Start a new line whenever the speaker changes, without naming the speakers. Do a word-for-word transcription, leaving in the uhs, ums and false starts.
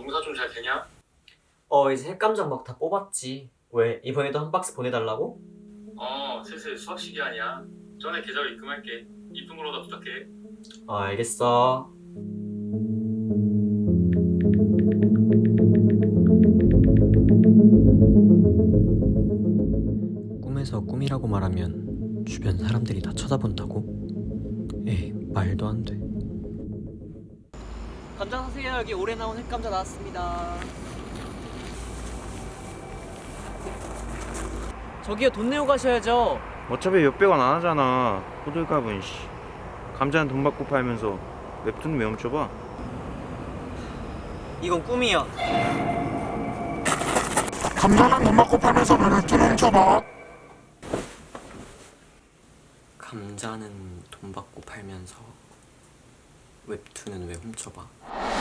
농사 좀 잘 되냐?
어 이제 핵감정 막 다 뽑았지. 왜 이번에도 한 박스 보내달라고?
어, 슬슬 수학 시기아니야. 전에 계좌로 입금할게. 이쁜 걸로 다 부탁해.
어 알겠어. 꿈에서 꿈이라고 말하면 주변 사람들이 다 쳐다본다고? 에이 말도 안 돼. 감자 사세요. 여기 올해 나온 핵감자 나왔습니다. 저기요 돈 내고 가셔야죠.
어차피 몇백 원 안 하잖아. 호들갑은 씨. 감자는 돈 받고 팔면서 웹툰 왜 훔쳐봐?
이건 꿈이야.
감자는 돈 받고 팔면서 왜 웹툰 훔쳐봐?
감자는 돈 받고 팔면서 웹툰은 왜 훔쳐봐?